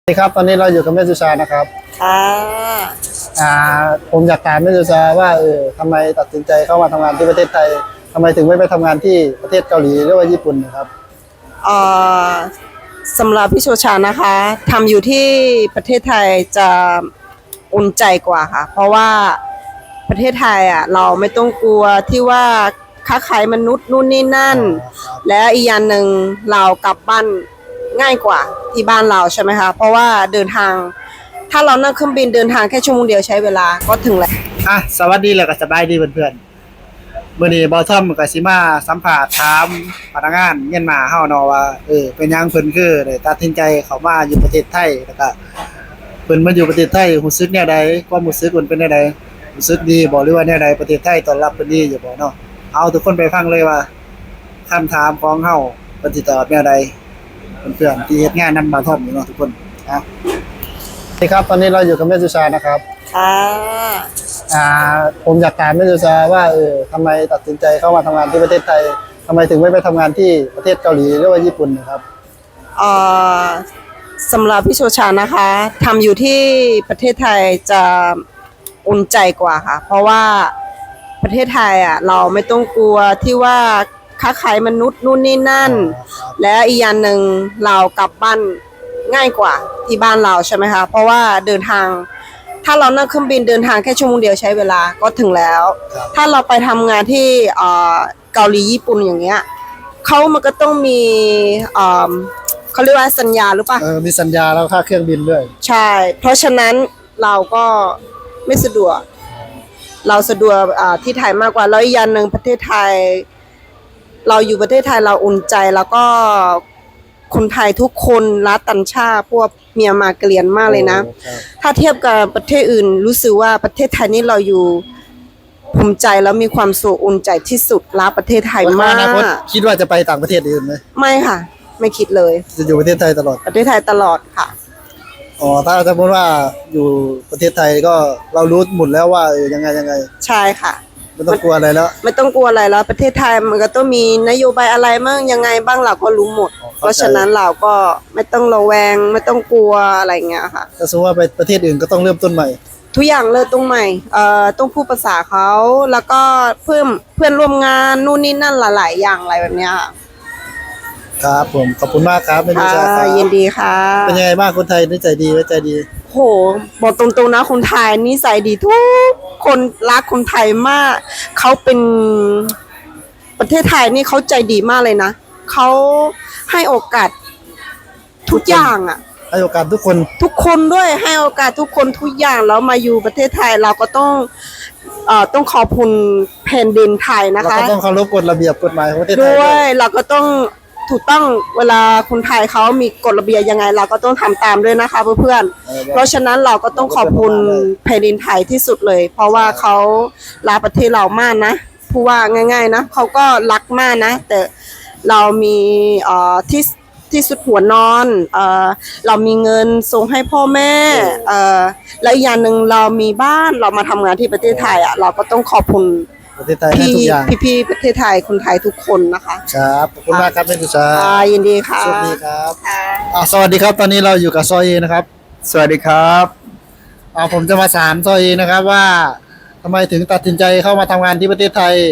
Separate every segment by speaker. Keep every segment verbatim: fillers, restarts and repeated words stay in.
Speaker 1: สวัสดีครับตอนนี้เราอยู่กับแม่สุชานะครับ
Speaker 2: ค่ะ
Speaker 1: อ่าผมอยากถามแม่สุชาว่าเออทำไมตัดสินใจเข้ามาทำงานที่ประเทศไทยทำไมถึงไม่ไปทำงานที่ประเทศเกาหลีหรือว่าญี่ปุ่นนะครับ
Speaker 2: เอ่อสำหรับพี่โชชานะคะทำอยู่ที่ประเทศไทยจะอุ่นใจกว่าค่ะเพราะว่าประเทศไทยอ่ะเราไม่ต้องกลัวที่ว่าค้าขายมนุษย์นู่นนี่นั่นและอีกอย่างหนึ่งเรากลับบ้านง่ายกว่าที่บ้านเราใช่ไหมคะเพราะว่าเดินทางถ้าเรานั่งเครื่องบินเดินทางแค่ชั่วโมงเดียวใช้เวลาก็ถึงแล้ว
Speaker 1: อ่ะสวัสดีแล้วก็สบายดีเพื่อนๆมื้อนี้บอทอมกับซิมาสัมภาษณ์ถามพนักงานเมียนมาเฮาเนาะว่าเออเป็นหยังเพิ่นคือได้ตัดสินใจเข้ามาอยู่ประเทศไทยแล้วก็เพิ่นมาอยู่ประเทศไทยรู้สึกแนวใดความรู้สึกเพิ่นเป็นแนวใดรู้สึกดีบ่หรือว่าแนวใดประเทศไทยต้อนรับเพิ่นดีอยู่บ่เนาะเอาทุกคนไปฟังเลยว่าคำถามของเฮาเพิ่นสิตอบแนวใดเพื่อนๆที่เฮ็ดงานนำบอทอมอยู่เนาะทุกคนนะสวัสดีครับตอนนี้เราอยู่กับแม่สุชานะครับ
Speaker 2: ค่ะ
Speaker 1: อ่าผมอยากถามแม่สุชาว่าเออทำไมตัดสินใจเข้ามาทำงานที่ประเทศไทยทำไมถึงไม่ไปทำงานที่ประเทศเกาหลีหรือว่าญี่ปุ่นนะครับ
Speaker 2: เอ่อสำหรับพี่โชชานะคะทำอยู่ที่ประเทศไทยจะอุ่นใจกว่าค่ะเพราะว่าประเทศไทยอ่ะเราไม่ต้องกลัวที่ว่าค้าขายมนุษย์นู่นนี่นั่นและอีกอย่างหนึ่งเรากลับบ้านง่ายกว่าที่บ้านเราใช่ไหมคะเพราะว่าเดินทางถ้าเรานั่งเครื่องบินเดินทางแค่ชั่วโมงเดียวใช้เวลาก็ถึงแล้วถ้าเราไปทำงานที่เกาหลีญี่ปุ่นอย่างเงี้ยเขามันก็ต้องมีเขาเรียกว่าสัญญาหรือเปล่า
Speaker 1: เออมีสัญญาแล้วค่าเครื่องบินด้วย
Speaker 2: ใช่เพราะฉะนั้นเราก็ไม่สะดวกเราสะดวกที่ไทยมากกว่าแล้วอีกอย่างหนึ่งประเทศไทยเราอยู่ประเทศไทยเราอุ่นใจแล้วก็คนไทยทุกคนรักต่างชาติพวกเมียนมาเกลียนมากเลยนะถ้าเทียบกับประเทศอื่นรู้สึกว่าประเทศไทยนี่เราอยู่ภูมิใจแล้วมีความสุขอุ่นใจที่สุดรักประเทศไทยมาก
Speaker 1: คิดว่าจะไปต่างประเทศอื่นไหม
Speaker 2: ไม่ค่ะไม่คิดเลย
Speaker 1: จะอยู่ประเทศไทยตลอด
Speaker 2: ประเทศไทยตลอดค่ะ
Speaker 1: อ๋อถ้าสมมติว่าอยู่ประเทศไทยก็เรารู้หมดแล้วว่าเออยังไงยังไง
Speaker 2: ใช่ค่ะ
Speaker 1: ไม่ต้องกลัวอะไรแล้ว
Speaker 2: ไม่ต้องกลัวอะไรแล้วประเทศไทยมันก็ต้องมีนโยบายอะไรบ้างยังไงบ้างเราก็รู้หมดเพราะฉะนั้นเราก็ไม่ต้องระแวงไม่ต้องกลัวอะไรเงี้ยค่ะ
Speaker 1: ถ้าสมมติว่าไปประเทศอื่นก็ต้องเริ่มต้นใหม่
Speaker 2: ทุกอย่างเริ่มต้นใหม่เอ่อต้องพูดภาษาเขาแล้วก็เพิ่มเพื่อนร่วมงานนู่นนี่นั่นหลายๆอย่างอะไรแบบเนี้ย
Speaker 1: ครับผมขอบคุณมากครับไม่มีชาครับ
Speaker 2: ยินดีค่ะ
Speaker 1: เป็นยังไงบ้างคนไทยนิสัยดีใจดี
Speaker 2: โหบอกตรงๆนะคนไทยนิสัยดีทุกคนรักคนไทยมากเขาเป็นประเทศไทยนี่เขาใจดีมากเลยนะเขาให้โอกาสทุกอย่างอ่ะ
Speaker 1: ให้โอกาสทุกคน
Speaker 2: ทุกคนด้วยให้โอกาสทุกคนทุกอย่างแล้วมาอยู่ประเทศไทยเราก็ต้องเอ่อต้องขอบคุณแผ่นดินไทยนะคะ
Speaker 1: เราก็ต้องเคารพกฎระเบียบกฎหมายของประเทศไทย
Speaker 2: ด้วยเราก็ต้องถูกต้องเวลาคนไทยเขามีกฎระเบียบยังไงเราก็ต้องทำตามด้วยนะคะเพื่อนๆเพราะฉะนั้นเราก็ต้องขอบคุณแผ่นดินไทยที่สุดเลยเพราะว่าเขารักประเทศเรามากนะพูดว่าง่ายๆนะเขาก็รักมากนะแต่เรามีเอ่อที่ที่สุดหัวนอนเอ่อเรามีเงินส่งให้พ่อแม่เอ่อและอีกอย่างหนึ่งเรามีบ้านเรามาทำงานที่ประเทศไทยอ่ะเราก็ต้องขอบคุณ
Speaker 1: ประเทศไทยให้ทุกอย่าง
Speaker 2: พี่ๆประเทศไทยคนไทยทุกคนนะคะ
Speaker 1: ครับขอบคุณมากครับแม่สุชา
Speaker 2: ยินดีค่ะ
Speaker 1: สวัสดีครับอ่าสวัสดีครับตอนนี้เราอยู่กับซอยเอนะครับสวัสดีครับอ่าผมจะมาถามซอยเอนะครับว่าทำไมถึงตัดสินใจเข้ามาทำงานที่ประเทศไทย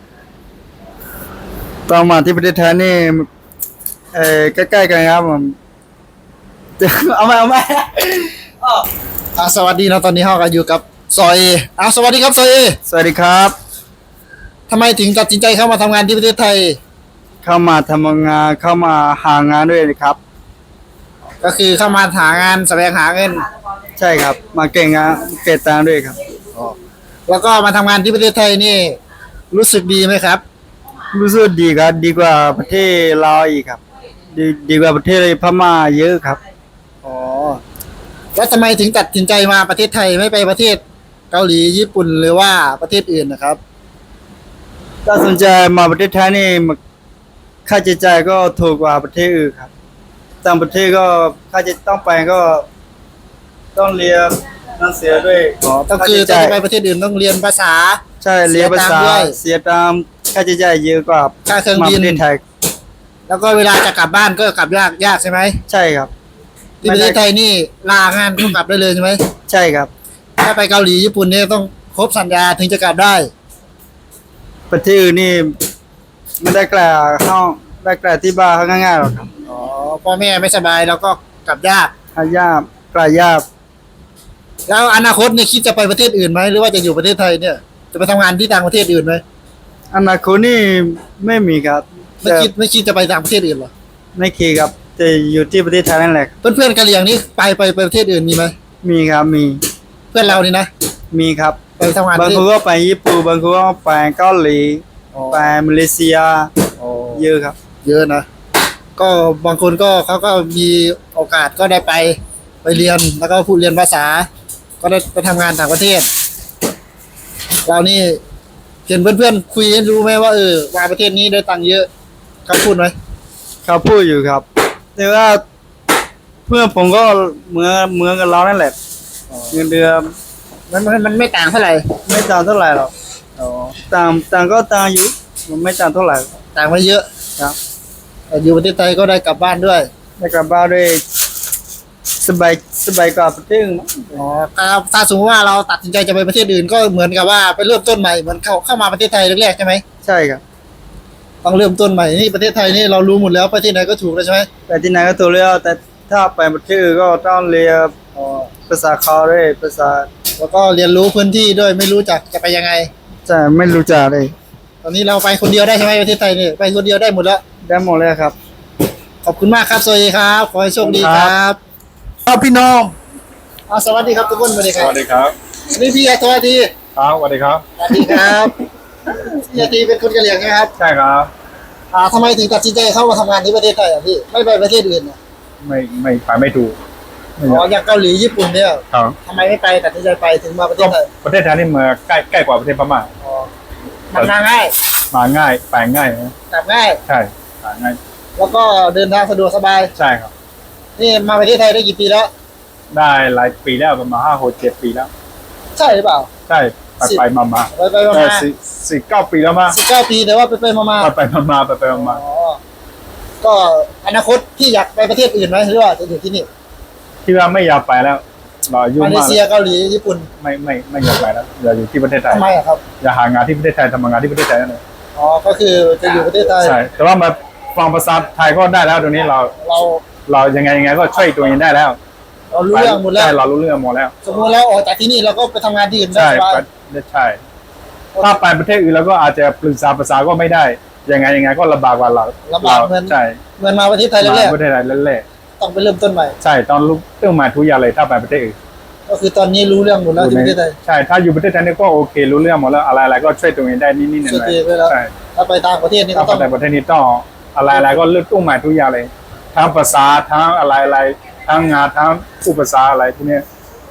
Speaker 3: ต้องมาที่ประเทศไทยนี่เออใกล้ๆกันครับผมเอาไหมเอาไหม
Speaker 1: อ่าสวัสดีนะตอนนี้เราก็อยู่กับซอยเออ่าสวัสดีครับซอยเอ
Speaker 3: สวัสดีครับ
Speaker 1: ทำไมถึงตัดสินใจเข้ามาทำงานที่ประเทศไทย
Speaker 3: เข้ามาทำงานเข้ามาหางานด้วยนะครับ
Speaker 1: ก็คือเข้ามาหางานแสวงหาเงิน
Speaker 3: ใช่ครับมาเก่งงานเก่งตามด้วยครับ
Speaker 1: แล้วก็มาทำงานที่ประเทศไทยนี่รู้สึกดีไหมครับ
Speaker 3: รู้สึกดีครับดีกว่าประเทศลาวอีกครับดีดีกว่าประเทศพม่าเยอะครับ
Speaker 1: อ๋อแล้วทำไมถึงตัดสินใจมาประเทศไทยไม่ไปประเทศเกาหลีญี่ปุ่นหรือว่าประเทศอื่นนะครับ
Speaker 3: ถ้าสนใจมาประเทศไทยนี่ค่าใช้จ่ายก็ถูกกว่าประเทศอื่นครับต่างประเทศก็ค่าใช้ต้องไปก็ต้องเรียนนั่นเสียด้วย
Speaker 1: อ๋อต้องคือจะไปประเทศอื่นต้องเรียนภาษา
Speaker 3: ใช่เรียนภาษาเสียตามค่าใช้จ่ายเยอะกว่า
Speaker 1: ค่าเครื่องบิน
Speaker 3: ไทย
Speaker 1: แล้วก็เวลาจะกลับบ้านก็กลับยากยากใช่ไหม
Speaker 3: ใช่ครับ
Speaker 1: ที่ประเทศไทยนี่ลางานก็กลับได้เลยใช่ไหม
Speaker 3: ใช่ครับ
Speaker 1: ถ้าไปเกาหลีญี่ปุ่นเนี่ยต้องครบสัญญาถึงจะกลับได้
Speaker 3: ประเทศอื่นนี่ไม่ได้กล่าวเข้าได้กล่าวที่บ้านเขาง่ายๆหรอกครับ
Speaker 1: อ๋อพ่อแม่ไม่สบายแล้วก็กลับยาก
Speaker 3: หายากกล่าวยาก
Speaker 1: แล้วอนาคตเนี่ยคิดจะไปประเทศอื่นไหมหรือว่าจะอยู่ประเทศไทยเนี่ยจะไปทำงานที่ต่างประเทศอื่นไหม
Speaker 3: อนาคตนี่ไม่มีครับ
Speaker 1: ไม่คิดไม่คิดจะไปต่างประเทศอื่นหรอ
Speaker 3: ไม่คิดครับจะอยู่ที่ประเทศไทยนั่นแหละ
Speaker 1: เพื่อนเพื่อนๆกะเหรี่ยงนี่ไปไปไปประเทศอื่นมีไหม
Speaker 3: มีครับมี
Speaker 1: เพื่อนเรานี่นะ
Speaker 3: มีครับ
Speaker 1: ไปทำงาน
Speaker 3: บาง
Speaker 1: ที่
Speaker 3: คนก็ไปญี่ปุ่นบางคนก็ไปเกาหลี
Speaker 1: อ๋อ
Speaker 3: ไปมาเลเซีย
Speaker 1: อ๋อ
Speaker 3: เยอะครับ
Speaker 1: เยอะนะก็บางคนก็เขาก็มีโอกาสก็ได้ไปไปเรียนแล้วก็พูดเรียนภาษา ก็ได้ไปทำงานต่างประเทศ เรานี่เห็นเพื่อนๆคุยให้รู้ไหมว่าเออว่าประเทศนี้ได้ตังค์เยอะเขาพูดไหม
Speaker 3: เขาพูดอยู่ครับ แต่ว่าเพื่อนผมก็เหมือนเหมือนกับเรานั่นแหละเงินเดือน
Speaker 1: มันมันมันไม่ต่างเท่าไหร่
Speaker 3: ไม่ต่างเท่าไหร่หรอกต่างต่างก็ต่างอยู่มันไม่ต่างเท่าไหร่
Speaker 1: ต่างไม่เยอะ
Speaker 3: ครับ
Speaker 1: แต่อยู่ประเทศไทยก็ได้กลับบ้านด้วย
Speaker 3: ได้กลับบ้านด้วยสบายสบายกว่าประเทศอื่นมั้ง
Speaker 1: อ๋อถ้าถ้าสมมติว่าเราตัดสินใจจะไปประเทศอื่นก็เหมือนกับว่าไปเริ่มต้นใหม่เหมือนเข้าเข้ามาประเทศไทยแรกๆใช่ไหม
Speaker 3: ใช่ครับ
Speaker 1: ต้องเริ่มต้นใหม่นี่ประเทศไทยนี่เรารู้หมดแล้วไปที่ไหนก็ถูกแล้วใช่ไหม
Speaker 3: แต่ที่ไหนก็ตัวเรียกแต่ถ้าไปประเทศอื่นก็ต้องเรียน
Speaker 1: อ๋อ
Speaker 3: ภาษาเขาด้วยภาษา
Speaker 1: แล้วก็เรียนรู้พื้นที่ด้วยไม่รู้จักจะไปยังไง
Speaker 3: จะไม่รู้จักเลย
Speaker 1: ตอนนี้เราไปคนเดียวได้ใช่ไหมประเทศไทยนี่ไปคนเดียวได้หมดแล้ว
Speaker 3: ได้หมดเลยครับ
Speaker 1: ขอบคุณมากครับสวัสดีครับขอให้โชคดี
Speaker 3: ค
Speaker 1: ค
Speaker 3: รั
Speaker 1: รับ บครับพี่น้องเอาสวัสดีครับทุกคนสวัสดีค
Speaker 4: ส
Speaker 1: รับ
Speaker 4: วัสดีครับ
Speaker 1: นี่พี่อาทวัสดี
Speaker 4: ครับสวัสดีครับ
Speaker 1: สวัสดีครับพี่อาทีเป็นคนกะเหรี่ยงใช่ไหมครับ
Speaker 4: ใช่ครับ
Speaker 1: อ่าทำไมถึงตัดสินใจเข้ามาทำงานที่ประเทศไทยอ่ะพี่ไม่ไปประเทศอื่นอ่ะ
Speaker 4: ไม่ไม่ไปไม่ถูกไม่
Speaker 1: อ๋
Speaker 4: อ
Speaker 1: อย
Speaker 4: าก
Speaker 1: อย่างเกาหลีญี่ปุ่นเนี่ย
Speaker 4: ครับ
Speaker 1: ทำไมไม่ไปตัดสินใจไปถึงมาประเท
Speaker 4: ก็
Speaker 1: ศไทย
Speaker 4: ประเทศไทยนี่มาใกล้ใกล้กว่าประเทศพม่า
Speaker 1: อ๋อมันมาง่าย
Speaker 4: มาง่ายไปง่ายนะ
Speaker 1: กลับง่าย
Speaker 4: ใช่มาง่าย
Speaker 1: แล้วก็เดินทางสะดวกสบาย
Speaker 4: ใช่ครับ
Speaker 1: นี่มาประเทศไทยได้กี่ปีแล้ว
Speaker 4: ได้หลายปีแล้วประมาณห้าหกเจ็ดปีแล้ว
Speaker 1: ใช่หรือเปล่า
Speaker 4: ใช่ไป
Speaker 1: สิบ
Speaker 4: ไปมามา
Speaker 1: ไปไปมา
Speaker 4: ได้
Speaker 1: มา
Speaker 4: สี่สี่เก้าปีแล้วมั้ง
Speaker 1: สิบเก้าปีแต่ว่าไปไปมามา
Speaker 4: ไปไปมามาไปไปมามา
Speaker 1: อ๋อก็อนาคตพี่อยากไปประเทศอื่นไหมหรือว่าจะอยู่ที่นี่
Speaker 4: ที่ว่าไม่อยากไปแล้วเราอายุ่
Speaker 1: มาเล
Speaker 4: มาก
Speaker 1: เซียเกาหลีญี่ปุ่น
Speaker 4: ไม่ไม่ไม่อยากไปแล้วอยากอยู่ที่ประเทศไทย
Speaker 1: ทำไมอะครับ
Speaker 4: อยากหางานที่ประเทศไทยทำงานที่ประเทศไทยนั่นเอง
Speaker 1: อ๋อก็คือจะอยู่ประเทศไทย
Speaker 4: ใช่แต่ว่ามาฟังภาษาไทยก็ได้แล้วตรงนี้เรา
Speaker 1: เรา
Speaker 4: เรายังไงยังไงก็ช่วยตัวเองได้แล้ว
Speaker 1: เรารู้เรื่องหมดแล้ว
Speaker 4: ใช่เรารู้เรื่องหมดแล้ว
Speaker 1: สมมติแล้วออกจากที่นี่เราก็ไปทำงานที่อื่นได้
Speaker 4: ใช่
Speaker 1: สบาย
Speaker 4: ไปใช่ ถ้าไปประเทศอื่นแล้วก็อาจจะปรึกษาภาษาก็ไม่ได้ ยังไงยังไงก็ลำบากกว่าเรา
Speaker 1: ลำบากเหมือน
Speaker 4: ใช่
Speaker 1: เหมือนมาประเทศไทยแร
Speaker 4: มาก ประเทศไทยแรก
Speaker 1: ๆต้องไปเริ่มต้นใหม่
Speaker 4: ๆใช่ตอนลุกต้องมาทุกอย่างเลยถ้าไปประเทศอื่น
Speaker 1: ก็คือตอนนี้รู้เรื่องหมดแล้วที่ประเทศไทย
Speaker 4: ใช่ถ้าอยู่ประเทศไทยนี่ก็โอเค รู้เรื่องหมดแล้วอะไรอะไรก็ช่วยตัวเองได้นิดๆหน่
Speaker 1: ช่วย
Speaker 4: อย
Speaker 1: ตัวเองได้แล้ว
Speaker 4: ๆใช่
Speaker 1: ถ้าไปต่างประเทศนี่
Speaker 4: ถ้า
Speaker 1: ก็ต้อง
Speaker 4: ไปประเทศนี้ต้องอะไรอะไรก็เลือกต้องมาทุกอย่างเลย ทั้งภาษาทั้งอะไรอะไรทั้งงานทั้งผู้ภาษาอะไรพวกเนี้ย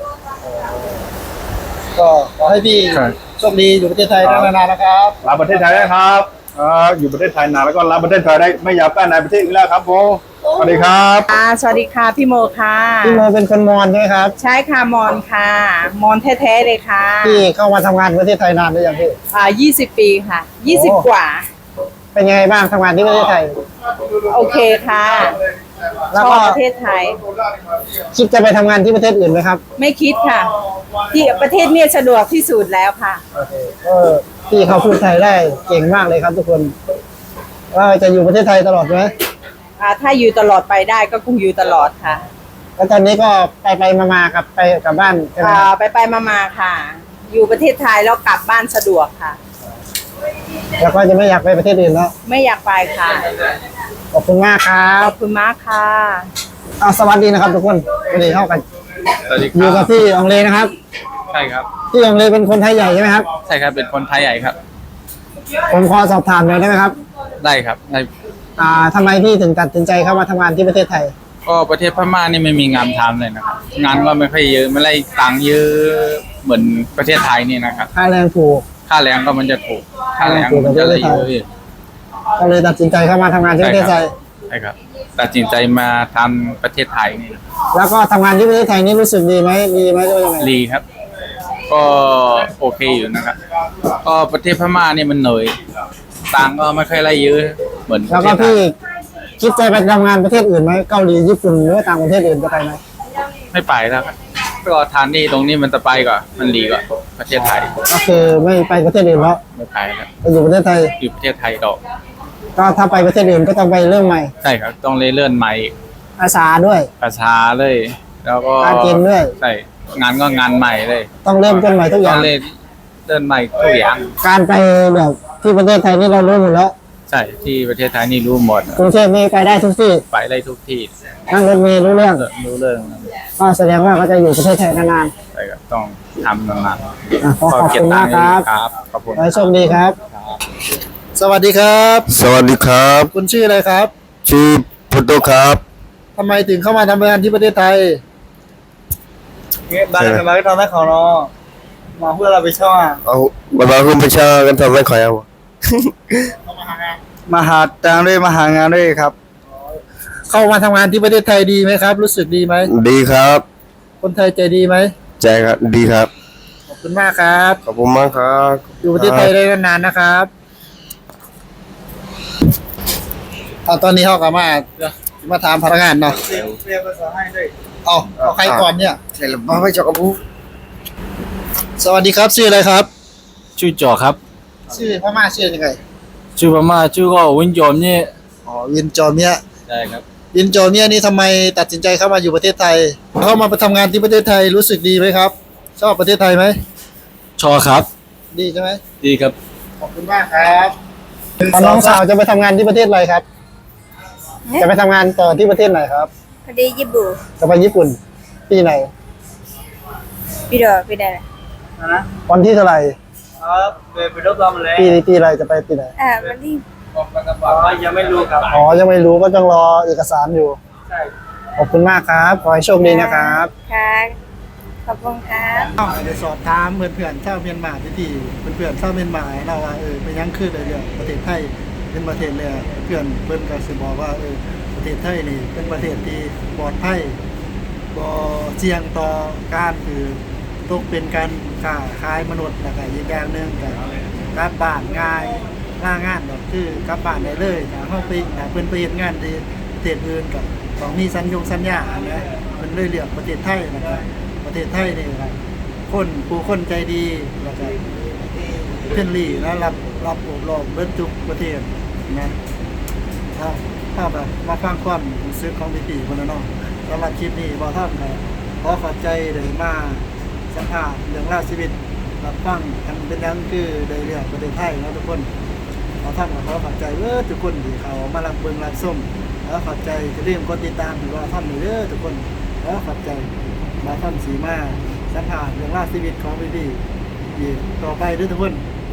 Speaker 1: ก็ขอให้พี่
Speaker 4: ใช่
Speaker 1: โชคดีอยู่ประเทศไทย
Speaker 4: ครับ
Speaker 1: นานๆนะครับ
Speaker 4: รับประเทศไทยได้ครับเอ่ออยู่ประเทศไทยนานแล้วก็รับประเทศไทยได้ไม่อยากไปไหนประเทศอื่นแล้วครับผมสวัสดีครับ
Speaker 2: ค่ะสวัสดีค่ะพี่โมค่ะ
Speaker 1: พี่โมเป็นคนมอญใช่ไหมครับ
Speaker 2: ใช่ค่ะมอนค่ะ มอนแท้ๆเลยค่ะ
Speaker 1: พี่เข้ามาทำงานประเทศไทยนานหรือยังพี่
Speaker 2: อ่ายี่สิบปีค่ะยี่สิบ
Speaker 1: โอ้
Speaker 2: กว่า
Speaker 1: เป็นยังไงบ้างทำงานที่ประเทศไทย
Speaker 2: โอเคค่ะ
Speaker 1: แล้
Speaker 2: ช
Speaker 1: ว
Speaker 2: อ
Speaker 1: ก็
Speaker 2: บประเทศไทย
Speaker 1: คิดจะไปทำงานที่ประเทศอื่นไหมครับ
Speaker 2: ไม่คิดค่ะ ที่ประเทศเนี่ยสะดวกที่สุดแล้วค่ะ
Speaker 1: เออพี่เขาพูดไทยได้เก่งมากเลยครับทุกคนว่าจะอยู่ประเทศไทยตลอดไหม
Speaker 2: อ่าถ้าอยู่ตลอดไปได้ก็คงอยู่ตลอดค่ะ
Speaker 1: แล้วตอนนี้ก็ไปไปมามาๆกับไปกลับบ้านใช่ไหม
Speaker 2: อ่า
Speaker 1: ครับ
Speaker 2: ไปไปมามาๆค่ะ อยู่ประเทศไทยแล้วกลับบ้านสะดวกค่ะ
Speaker 1: แล้วก็จะไม่อยากไปประเทศอื่นแล้ว
Speaker 2: ไม่อยากไปค่ะ
Speaker 1: ขอบคุณมากครั
Speaker 2: ข
Speaker 1: บ
Speaker 2: อบคุณมากค่ะ
Speaker 1: เอาสวัสดีนะครับ ทุกคนวันนี้เข้ากัน
Speaker 5: สวัสดีค
Speaker 1: อยู่
Speaker 5: รั
Speaker 1: กับบ พี่อองเลนะครับ
Speaker 5: ใช่ครับ
Speaker 1: พี่อองเลเป็นคนไทยใหญ่ใช่ไหมครับ
Speaker 5: ใช่ครับเป็นคนไทยใหญ่ครับ
Speaker 1: ผมขอสอบถามหน่อยได้ไหมครับ
Speaker 5: ได้ครับได้
Speaker 1: อ่าทำไมพี่ถึงตัดสินใจเข้ามาทำงานที่ประเทศไทย
Speaker 5: ก็ประเทศพม่านี่ไม่มีงานทำเลยนะครับ งานก็ไม่ค่อยเยอะไม่ได้ตังค์เยอะเหมือนประเทศไทยนี่นะครับ
Speaker 1: ค่าแรงถูก
Speaker 5: ค่าแรงก็มันจะถูกค่าแรงมันจะเลยเยอะอีก
Speaker 1: ก็เลยตัดสินใจเข้ามาทำงานที่ประเทศไทย
Speaker 5: ใช่ครับตัดสินใจมาทำประเทศไทยนี่
Speaker 1: แล้วก็ทำงานที่ประเทศไทยนี่รู้สึกดีไหมดีไหมหรือว่ายังไง
Speaker 5: ดีครับ ก็โอเคอยู่นะครับก็ประเทศพม่านี่มันเหนื่อยตังค์ก็ไม่ค่อยได้เยอะเหมือนป
Speaker 1: แล้ว
Speaker 5: ระเท
Speaker 1: ก็
Speaker 5: ศไท
Speaker 1: พี่
Speaker 5: ย
Speaker 1: คิดคิดจะไปทำงานประเทศอื่นไหมเกาหลีญี่ปุ่นหรือว่าต่างประเทศอื่นจะไปไหม
Speaker 5: ไม่ไปแล้วครับก็ทานนี่ตรงนี้มันจะไปก่อนมันดีกว่าประเทศไทย
Speaker 1: ก็คือไม่ไปประเทศอื่นแล้ว
Speaker 5: ไม่ไปแล้ว
Speaker 1: ไปอยู่ประเทศไทย
Speaker 5: อยู่ประเทศไทยต่อ
Speaker 1: ก็ถ้าไปประเทศอื่นก็ต้องไปเริ่มใหม่
Speaker 5: ใช่ครับต้องเลื่อนใหม่อีก
Speaker 1: ภาษาด้วย
Speaker 5: ภาษาเลย แล้วก็
Speaker 1: การกินด้วย
Speaker 5: ใช่งานก็งานใหม่เลย
Speaker 1: ต้องเริ่มต้นใหม่ทุกอ
Speaker 5: ต้อย่าง งเล่นเดินใหม่ทุกอย่าง
Speaker 1: การไปแบบที่ประเทศไทยนี่เรารู้หมดแล้ว
Speaker 5: ใช่ที่ประเทศไทยนี่รู้หมด
Speaker 1: กรุงเทพนี่ไปได้ทุกที่
Speaker 5: ไปได้ทุกที่
Speaker 1: นั่งรถเมล์รู้เรื่อง
Speaker 5: รู้เรื่อง
Speaker 1: ก็แสดงว่าก็จะอยู่ประเทศไทยนาน
Speaker 5: ใช่ครับต้องทำนาน
Speaker 1: ๆอ่ะขอ
Speaker 5: ๆ
Speaker 1: ขอบคุณมากครับ
Speaker 5: ครับขอบคุณ
Speaker 1: ขอให้โชคดีครับ สวัสดีครับ
Speaker 6: สวัสดีครับ
Speaker 1: คุณชื่ออะไรครับ
Speaker 6: ชื่อพุทโธครับ
Speaker 1: ทำไมถึงเข้ามาทำงานที่ประเทศไทย
Speaker 3: บ้านกันมาก็ทำได้ของเนาะมาเพื่อเราไปช่อง
Speaker 6: เอาบาบาคุณประชากันทำไม่ขอยเอา
Speaker 3: มาหาตังค์ด้วยมาหางานด้วยครับ
Speaker 1: เข้ามาทำงานที่ประเทศไทยดีไหมครับ รู้สึกดีไหม
Speaker 6: ดีครับ
Speaker 1: คนไทยใจดีไหม
Speaker 6: ใจครับดีครับ
Speaker 1: ขอบคุณมากครับ
Speaker 6: ขอบคุณมากครับ
Speaker 1: อยู่ประเทศไทยได้นานๆนะครับเอาตอนนี้เขากลับมามาถามพนักงานเนาะ
Speaker 3: เรียนเรียนภาษาให้ด้วย
Speaker 1: เอาเอาใครก่อนเนี่ย
Speaker 6: ใช่แล้วมาไม่จอกกับผู้
Speaker 1: สวัสดีครับชื่ออะไรครับ
Speaker 5: ชื่อจอครับ
Speaker 1: ชื่อพม่าชื่อยังไง
Speaker 5: ชื่อพม่าชื่อก็วินโยมนี่
Speaker 1: อ๋อวินจอเมีย
Speaker 5: ใช่ครับ
Speaker 1: วินจอเมียนี่ทำไมตัดสินใจเข้ามาอยู่ประเทศไทย เข้ามาทำงานที่ประเทศไทยรู้สึกดีไหมครับ ชอบประเทศไทยไหม
Speaker 5: ชอครับ
Speaker 1: ดีใช่ไหม
Speaker 5: ดีครับ
Speaker 1: ขอบคุณมากครับน้องสาวจะไปทำงานที่ประเทศอะไรครับ จะไปทำงานต่อที่ประเทศไหนครับ
Speaker 7: พอดีญี่ปุ่น
Speaker 1: จะไปญี่ปุ่นปีไหน
Speaker 7: พี่ดอพี่ได้ละ
Speaker 3: นะ
Speaker 1: วันที่เท่าไหร่
Speaker 3: ครับไปไปรบรอมาแล้ว
Speaker 1: ปีปีอะไรจะไปปีไหน
Speaker 7: อ่าวันที่
Speaker 3: ยังไม่รู้ครับ
Speaker 1: อ๋อยังไม่รู้ก็ต้องรอเอกสารอยู่
Speaker 3: ใช่
Speaker 1: ขอบคุณมากครับ ขอให้โชคดีนะครับ
Speaker 7: ค่ะขอบคุณครับ
Speaker 1: เดี๋ยวสอบถามเพื่อนๆชาวเมียนมาที่ที่เพื่อนๆชาวเมียนมาเราว่าเออเป็นยังคือเลยเรื่องประเทศไทยเป็นประเทศเลยเพื่อนเพื่อนก็สิบอกว่าเออประเทศไทยนี่เป็นประเทศที่ปลอดภัยบ่เสี่ยงต่อการคือตกเป็นการค้าขายมนุษย์แล้วก็อีกอย่างหนึงก็กลับบ้านง่ายล่างานก็คือกลับบ้านได้เลยถ้าเฮาไปถ้าเพิ่นไปเฮ็ดงานที่ประเทศอื่นก็ต้องมีสัญญงสัญญานะเพิ่นเลยเลือกประเทศไทยนะครับประเทศไทยนี่ครับคนผู้คนใจดีแล้วก็เพื่อนลี่และรับรับอบรมเบิ้ทุกประเทศนะถ้าถ้าแบบมาฟังความรู้สึกของพี่ๆคนละเนาะสำหรับคลิปนี้บ่ท่านก็ขอขอบใจเลยมาสัมภาษณ์เรื่องราวชีวิตรับฟังกันเป็นยังคือได้เรื่องประเทศไทยนะทุกคนขอท่านก็ขอขอบใจเด้อทุกคนที่เขามารับเบิ่งรับชมแล้วขอบใจจะเริ่าลืมกดติดตามหรือว่าท่านเด้อทุกคนแล้วขอบใจมาท่านสีมาสัมภาษณ์เรื่องราวชีวิตของพี่ๆอีกต่อไปเด้อทุกคน